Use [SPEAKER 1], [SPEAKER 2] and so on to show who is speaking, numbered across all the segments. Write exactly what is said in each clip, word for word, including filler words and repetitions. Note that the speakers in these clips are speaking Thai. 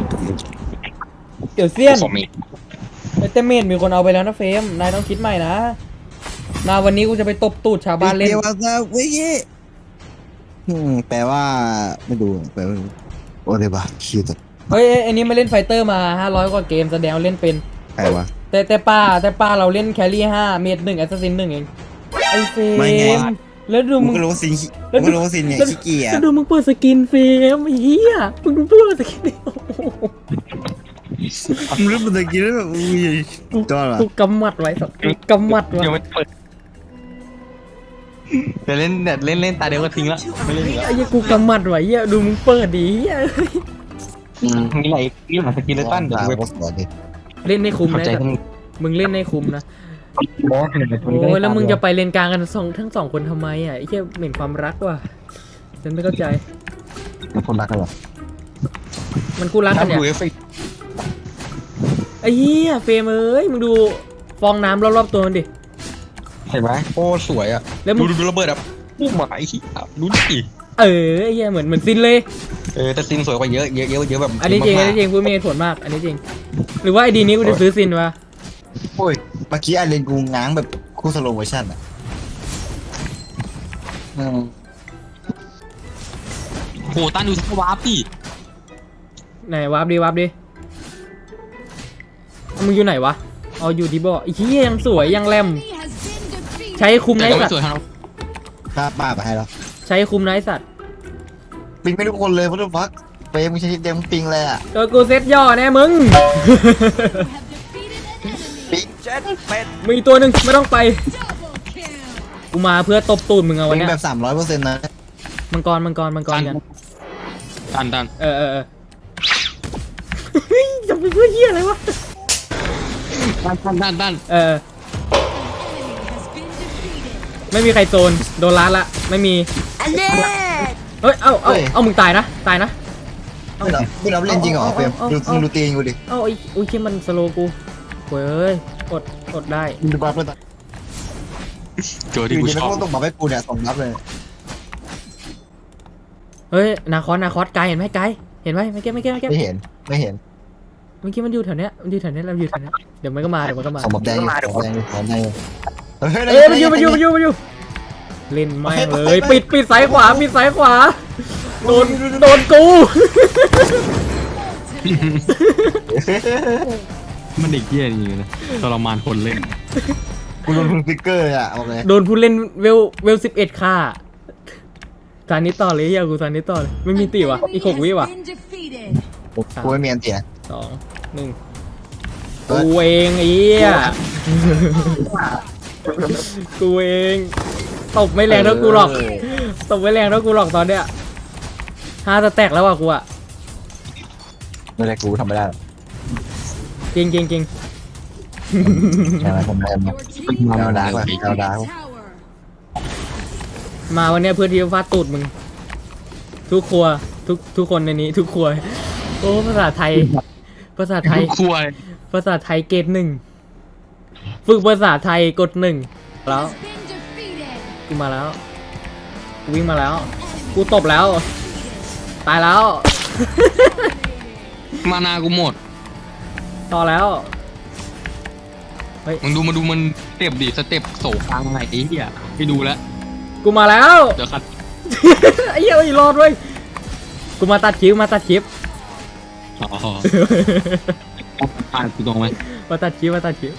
[SPEAKER 1] เดี๋ยวเซียนแต่เมนมีคนเอาไปแล้วนะเฟรมนายต้องคิดใหม่นะมาวันนี้กูจะไปตบตูดชาวบ้านเล่น
[SPEAKER 2] เดี๋ยวว่าจะเว้ยแปลว่าไม่ดูแปลว่าโอ้เดี๋ยวบ้าคิด
[SPEAKER 1] เฮ้ยไอ้นี่มาเล่นไฟเตอร์มาห้าร้อยกว่าเกมแสดงเล่นเป็น
[SPEAKER 2] ใครวะ
[SPEAKER 1] แต่แต่ป้าแต่ป้าเราเล่นแครี่ห้าเมดหนึ่งแอสซัสซินหนึ่งเองไอเฟรมแล้วดู
[SPEAKER 2] มึ
[SPEAKER 1] มึ
[SPEAKER 2] ง
[SPEAKER 1] ง
[SPEAKER 2] ก็รู้สิมึงก็รู้สิเนี่ยขี้เกียจ
[SPEAKER 1] แล้วดูมึงเปิดสกินเฟรมไอ้เหี้ยมึงดูเปิดสกินดิ
[SPEAKER 2] มึงรู้มันตะกี้แล้วแบบอุ้ยจอดเหรอ
[SPEAKER 1] กูกำมัดไว้สักกูกำมัดไว้
[SPEAKER 3] เดี๋ยวมันเปิดเดี๋ยวเล่นเดี๋ยวเล่นเล่นตาเดียวก็ทิ้งละไม่เล่นอีกแล้ว
[SPEAKER 1] ไอ้เหี้ยกูกำมัดไว้เหี้ยดูมึงเปิดดิเหี้ย
[SPEAKER 3] มีอะไรมีหลายสกินเลยตั้นเดี๋ยวกูไป
[SPEAKER 1] เล่นในคุม
[SPEAKER 3] เข้า
[SPEAKER 1] นะ
[SPEAKER 3] ใจทั้ง
[SPEAKER 1] มึงเล่นในคุมนะ
[SPEAKER 3] บอสหนึ่ง
[SPEAKER 1] โอ้ยแล้วมึงจะไปเลนกลางกันสองทั้งสองคนทำไมอ่ะไอ้เหี้ยเหม็นความรักว่ะฉันไม่เข้าใจ
[SPEAKER 2] เป็นคนรักกันเหรอ
[SPEAKER 1] มันคู่รักกันเนี่ย
[SPEAKER 3] ดูเอฟเฟก
[SPEAKER 1] ไอ้เหี้ยเฟรมเอ้ยมึงดูฟองน้ำรอบๆตัวมันดิ
[SPEAKER 3] เห็นไหมโอ้สวยอ่ะ
[SPEAKER 1] แล้วมึ
[SPEAKER 3] ดู
[SPEAKER 1] ง
[SPEAKER 3] ดูระเบิดอ่ะปุ๊บมาไอ้ขี้ดูดิ
[SPEAKER 1] เออไอ้เหี้ยเหมือนเหมือนซินเลย
[SPEAKER 3] เออแต่ซินสวยกว่าเยอะเยอะเยอะเยอะแบบ
[SPEAKER 1] อันนี้จริงอันนี้จริงพูดมีเหตุผลมากอันนี้จริงหรือว่าไอดีนี้กูจะซื้อซินวะ
[SPEAKER 2] โอ้ยเมื่อกี้ไอเลนกูง้างแบบคู่สโลว์เวอร์ชันอ่ะอืม
[SPEAKER 3] โหตั้นดูสวาร์ปดิ
[SPEAKER 1] ไหนวาร์ปดิวาร์ปดิเอามึงอยู่ไหนวะเอาอยู่ที่บ่อไอ้เหี้ยยังสวยยังแรมใช้คุม
[SPEAKER 3] แต่
[SPEAKER 1] ไน
[SPEAKER 3] ก็
[SPEAKER 1] สั
[SPEAKER 3] ไม่
[SPEAKER 1] ต
[SPEAKER 3] สวย
[SPEAKER 1] ว์
[SPEAKER 3] เท่า
[SPEAKER 2] ถ้าป้าไปให้แล้ว
[SPEAKER 1] ใช้คุมไนสัตว์
[SPEAKER 2] ปิงไม่ทุกคนเลยเพราะว่าเฟรมมึงใช้เต็มปิงเลยอ่ะ
[SPEAKER 1] ตัวกูเซ็ตย่อแน่มึง
[SPEAKER 2] ปิงเจ็ดเป็ด
[SPEAKER 1] มีตัวหนึ่งไม่ต้องไปกูมาเพื่อตบตูดมึงเอา
[SPEAKER 2] ปิ
[SPEAKER 1] วัน
[SPEAKER 2] ง
[SPEAKER 1] เนี้ย
[SPEAKER 2] แบบสามร้อยเปอร์เซ็นต์นะ
[SPEAKER 1] มังกรมังกรมังกรกัน
[SPEAKER 3] ตันตัน
[SPEAKER 1] เออเออเออเฮ้ยจะไปเพื่อเหี้ยอะไรวะ
[SPEAKER 3] ตันตันตันตัน
[SPEAKER 1] เออไม่มีใครโซนโดนล้านละไม่มีเฮ้ยเอ้าเอ้าเอ้ามึงตายนะตายนะ
[SPEAKER 2] ไม่รับไม่รับเล่นจริงเหรอเฟรมดูมึงดูตีนกูดิ
[SPEAKER 1] เอ้าไอ้อุ้ยคิดมันสโลว์กูโว้ยเอ้ยอดอดได้
[SPEAKER 2] มึงดูบัฟเลย
[SPEAKER 3] เจอ
[SPEAKER 2] อ
[SPEAKER 3] ที่
[SPEAKER 2] ยู่
[SPEAKER 3] กู
[SPEAKER 2] ดี
[SPEAKER 3] ช
[SPEAKER 2] มัน
[SPEAKER 3] อบ
[SPEAKER 2] ก็ต้องบัฟให้กูเนี่ยส่งบัฟเลย
[SPEAKER 1] เฮ้ยนาคอสนาคอสไกลเห็นไหมไกลเห็นไหมไม่แก้ไม่แก้ไม่แก้
[SPEAKER 2] ไม่เห็นไม่เห็น
[SPEAKER 1] เมื่อกี้มันอยู่แถวเนี้ยมันอยู่แถวเนี้ยเราอยู่แถวเนี้ยเดี๋ยวมันก็มาเดี๋ยวมันก็มา
[SPEAKER 2] ส่งบัฟแดงอยู่ส่งบัฟแดงอยู่ส่งบัฟแดงอยู่
[SPEAKER 1] เอ้ยมันอยู่มันอยู่มันอยู่มันอยู่เล่นแม่งเลยปิดปิดสายขวาปิดสายขวาโดนโดนกู
[SPEAKER 3] มันเด็กเกี้ยจริงๆนะทรมานคนเล่น
[SPEAKER 2] กูโดนพึ่งฟิกเกอร์อ่ะบอกเลย
[SPEAKER 1] โดนผู้เล่นเวลเวลสิบเอ็ดค่าตอนนี้ต่อเลยอย่ากูตอนนี้ต่อเลยไม่มีตีวะอีกหกวิวะ
[SPEAKER 2] กูไม่มีอันเสีย
[SPEAKER 1] สองหนึ่งกูเองไอ้เหี้ยกูเองตบไม่แรงเท่ากูหรอกตบไม่แรงเท่ากูหรอกตอนเนี้ยห้าจะแตกแล้วว่ะกูอะ
[SPEAKER 2] ไม่ได้กูทำไม่ได้
[SPEAKER 1] จริงจริงจริง
[SPEAKER 2] ใช่ไหมผมแรงมาเอาดาร์กว่ะเอาดาร์ก
[SPEAKER 1] มาวันเนี้ยเพื่อที่จะฟาดตูดมึงทุกครัวทุกทุกคนในนี้ ทุกครัวโอ้ภาษาไทย ภาษาไทย
[SPEAKER 3] ครัว
[SPEAKER 1] ภาษาไทยเกรดหนึ่งฝึกภาษาไทยกดหนึ่งแล้วกูมาแล้วกูวิ่งมาแล้วกูตบแล้วตายแล้ว
[SPEAKER 3] มานากูหมด
[SPEAKER 1] ต่อแล้ว
[SPEAKER 3] มึงดูมาดูมันสเต็ปดิสเต็ปโศกกลางไงไอ้เหี้ยไปดูแล้ว
[SPEAKER 1] กูมาแล้ว
[SPEAKER 3] เดี๋ยวคัด
[SPEAKER 1] ไอ้เหี้ยไอ้รอดเว้ยกูมาตัดคลิปมาตัดคลิป
[SPEAKER 3] อ๋ออ่านกูตรงไหม
[SPEAKER 1] มาตัดคลิปมาตัดคลิป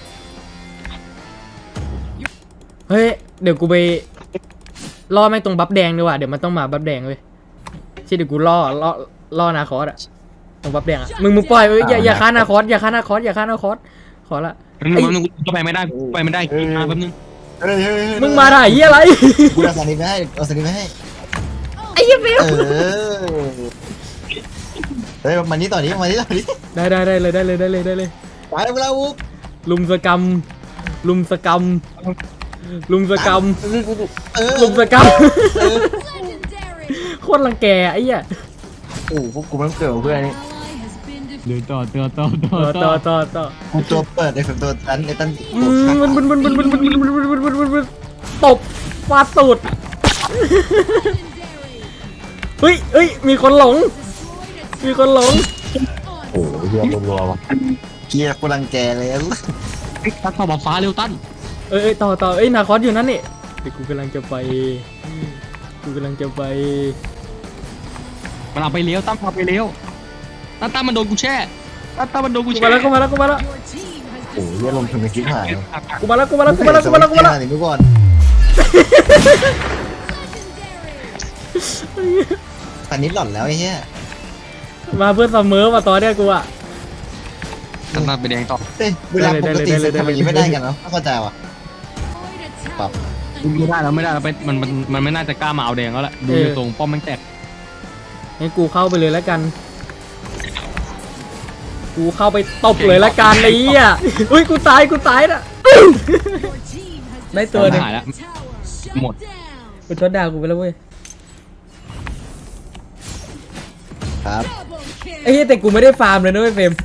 [SPEAKER 1] เฮ้ยเดี๋ยวกูไปล่อแม่งตรงบัฟแดงดีกว่าเดี๋ยวมันต้องมาบัฟแดงเว้ยใช่เดี๋ยวกูล่อล่อล่อนาคอสอะตรงบัฟแดงอะมึงมึงปล่อยเว้ยอย่าอย่าฆ่านาคอสอย่าฆ่านาคอสอย่าฆ่านาคอสขอละ
[SPEAKER 3] แป๊บนึงแป๊บนึงกูก็ไปไม่ได้กูไปไม่ได้กินมาแป๊บนึง
[SPEAKER 2] เฮ้ยเฮ้ย
[SPEAKER 1] มึงมาได้เหี้ยอะไร
[SPEAKER 2] กูเอาสานิไปให้เอาสานิไปให้
[SPEAKER 1] ไอ้เหี้ยเฟล
[SPEAKER 2] เออเฮ้ยมานี้ต่อนี้มานี้ต่อนี้
[SPEAKER 1] ได้ได้ได้เลยได้เลยได้เลยได้เลย
[SPEAKER 2] ไปแล้วเราอุ๊บ
[SPEAKER 1] ลุมสกรรมลุมสกรรมลุมสกรรม
[SPEAKER 2] เออ
[SPEAKER 1] ลุมสกรรมโคตรรังแกไอ้เหี้ย
[SPEAKER 2] โอ้พวกกูมันเกิดเพื่อนนี่
[SPEAKER 3] เดี๋ยวต่อต่อต่อต่อ
[SPEAKER 1] ต่อต่อต่อต่อ
[SPEAKER 2] กูตัวเปิดไอ้ผมตัวตันไอ้ตัน
[SPEAKER 1] อืมมันมันมันมันมันมันมันมันมันมันมันมันตบฟาดตูดเฮ้ยเฮ้ยมีคนหลงมีคนหลง
[SPEAKER 2] โอ้โหเฮียรัวๆว่ะเกียร์กูรังแกเลย
[SPEAKER 3] ไอ้ตั้นเข้ามาฟ้าเร็วตั้น
[SPEAKER 1] เอ้ยเอ้ยต่อต่อเอ้ยนาคอสอยู่นั่นนี่เดี๋ยวกูกำลังจะไปกูกำลังจะไป
[SPEAKER 3] มันเอาไปเลี้ยวตั้นเอาไปเลี้ยวตั้นตั้นมันโดนกูแช่ตั้นตั้นมันโดนกู
[SPEAKER 1] กู
[SPEAKER 3] แช่
[SPEAKER 1] มาแล้วกูมาแล้วกูมาแล้ว
[SPEAKER 2] โอ้โหเฮียลมถึงไปคิดหาย
[SPEAKER 1] กูมาแล้วกูมาแล้วกูมาแล้วกูมาแล้วกูมาแล้ว
[SPEAKER 2] หนีไปก่อนตอนนี้หล่อนแล้วไอ้เหี้ย
[SPEAKER 1] มาเพื่อเสมอมาต่อเนี่ยกูอ่ะ
[SPEAKER 3] ตั้นตั้นไปแดงต่อ
[SPEAKER 2] เฮ้ยเวลาปกติทำอย่างนี้ไม่ได้กันเนาะไม่เข้าใจว่ะปรับ
[SPEAKER 3] ไม่ได้แล้วไม่ได้แล้วไปมันมันมันไม่น่าจะกล้ามาเอาแดงแล้วแหละดูอยู่ตรงป้อมมันแตก
[SPEAKER 1] งั้นกูเข้าไปเลยแล้วกัน กูเข้าไปตบเลยแล้วกันไอ้เหี้ยอุ้ยกูตายกูตายน่ะได้ตัวหนึง
[SPEAKER 3] หายแล้วหมด
[SPEAKER 1] กูช็อตดาวกูไปแล้วเว้ย
[SPEAKER 2] ครับ
[SPEAKER 1] ไอ้เหี้ยแต่กูไม่ได้ฟาร์มเลยนะเว้ยเฟรม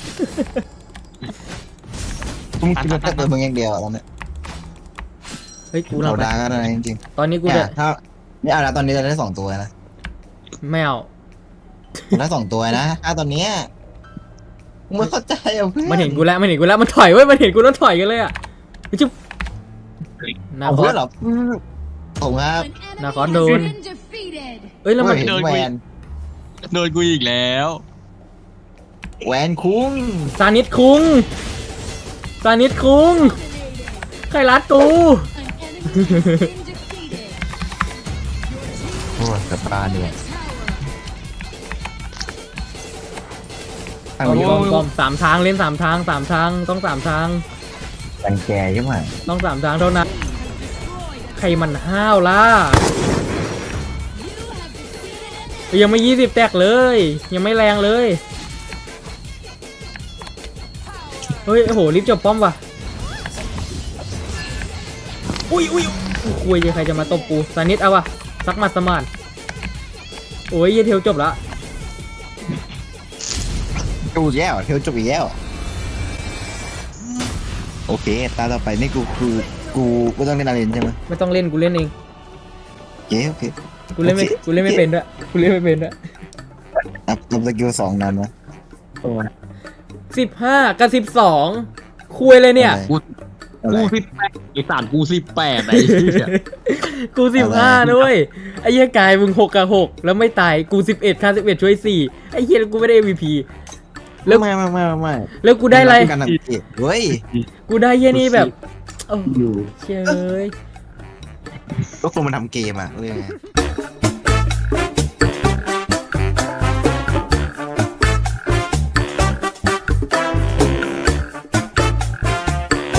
[SPEAKER 2] มึงคิดว่าแค่ตัวมึงอย่างเดียวอะตอนเนี้ย
[SPEAKER 1] เฮ้ยกู
[SPEAKER 2] เรา
[SPEAKER 1] เราไป
[SPEAKER 2] ดาก็ได้จริง
[SPEAKER 1] ตอนนี้
[SPEAKER 2] ๆ
[SPEAKER 1] กู
[SPEAKER 2] เนี่
[SPEAKER 1] จะ
[SPEAKER 2] ยถ้านี่เอาละตอนนี้เราได้สองตัวนะ
[SPEAKER 1] ไม่เอา
[SPEAKER 2] ได้สองตัวนะถ้าตอนเนี้ยมึงไม่เข้าใจอ่ะเพื่อน
[SPEAKER 1] มันเห็นกูแล้วมันเห็นกูแล้วมันถอยเว้ยมันเห็นกูแล้วถอยกันเลยอ่ะไปจุ๊บนา
[SPEAKER 2] เอา
[SPEAKER 1] คอ
[SPEAKER 2] เพื่อ
[SPEAKER 1] ส
[SPEAKER 2] นเหรอผมครับ
[SPEAKER 1] นาคอสโดนเอ้ยแล้วมัน
[SPEAKER 2] เห็นแวน
[SPEAKER 3] โดนกูอีกแล้ว
[SPEAKER 2] แวนคุ้ง
[SPEAKER 1] ซานิดคุงซานิดคุงใครรัดกู
[SPEAKER 2] โอ้ยกลับบ้านด้วยทาง
[SPEAKER 1] ป้อม
[SPEAKER 2] นี้
[SPEAKER 1] ป้อมป้อมสามทางเล่นสามทางสามทางต้องสามทาง
[SPEAKER 2] รังแกใช่ไหม
[SPEAKER 1] ต้องสามทางเท่านั้นใครมันห้าวล่ะยังไม่ยี่สิบแตกเลย ยังไม่แรงเลยเฮ้ยโอ้โหรีบจบป้อมว่ะอุ้ยอุ้ยคุยใครจะมาตบกูซานิดเอาวะสักหมัดสมานโอ้ยเยเทลจบละ
[SPEAKER 2] จูแย่วเทลจุกอีกแย่วโอเคตาต่อไปนี่กูกูกูกูต้องเล่นอาเรนใช่ไหม
[SPEAKER 1] ไม่ต้องเล่นกูเล่นเอง
[SPEAKER 2] โอเคโอเค
[SPEAKER 1] กูเล่นไม่กูเล่นไม่เป็นด้วยกูเล่นไม่เป็นด้วย
[SPEAKER 2] นับนับสกิลสองนั้นนะ
[SPEAKER 1] สิบห้ากับสิบสองคุยเลยเนี่ย
[SPEAKER 3] กู
[SPEAKER 2] อะไร
[SPEAKER 3] กูสิบแปดไอ้สามกูสิบแปดไอ้เหี้ย
[SPEAKER 1] กูสิบห้าด้วยไอ้เหี้ยกายมึงหกกับหกแล้วไม่ตายกูสิบเอ็ดค่าสิบเอ็ดช่วยสี่ไอ้เหี้ยแล้วกูไม่ได้ เอ็ม วี พี แล้ว
[SPEAKER 2] ไม่ไม่ไม่ไม่
[SPEAKER 1] แล้วกูได้อะไร
[SPEAKER 2] การทำเกมเฮ้ย
[SPEAKER 1] กูได้เหี้ยนี่แบบโอ้
[SPEAKER 2] อยู่
[SPEAKER 1] เชย
[SPEAKER 2] ก็คนมันทำเกมอ่ะเรื่องไง